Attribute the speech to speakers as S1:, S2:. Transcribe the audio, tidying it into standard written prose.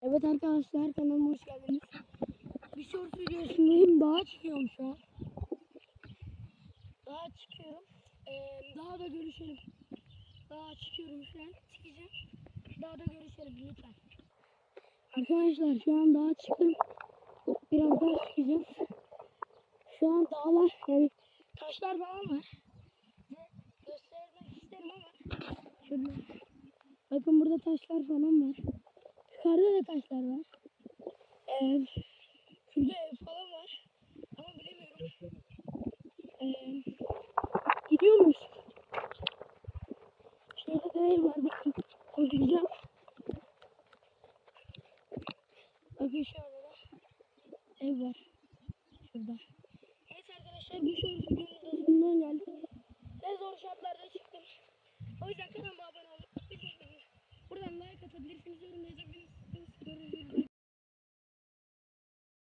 S1: Evet arkadaşlar, kanalıma hoş geldiniz. Bir short videosundayım. Dağa çıkıyorum şu an. Dağa çıkıyorum. Dağda görüşelim. Dağa çıkıyorum şu an. Çıkacağım. Dağda görüşelim lütfen. Arkadaşlar şu an dağa çıktım. Biraz daha çıkacağım. Şu an dağlar, yani taşlar falan var. Size göstermek isterim ama şurada. Bakın burada taşlar falan var. Yukarıda da taşlar var. Şurada ev falan var. Ama bilemiyorum. Gidiyor muyuz? Şurada da ev var. Bakın. Koşacağım. Bakın şurada da ev var. Şurada. Evet arkadaşlar, bu şort videonun da sonuna geldik. Ne zor şartlarda çıktım. O yüzden kanalıma abone olup buradan like atabilirsiniz, yorum yazabilirsiniz.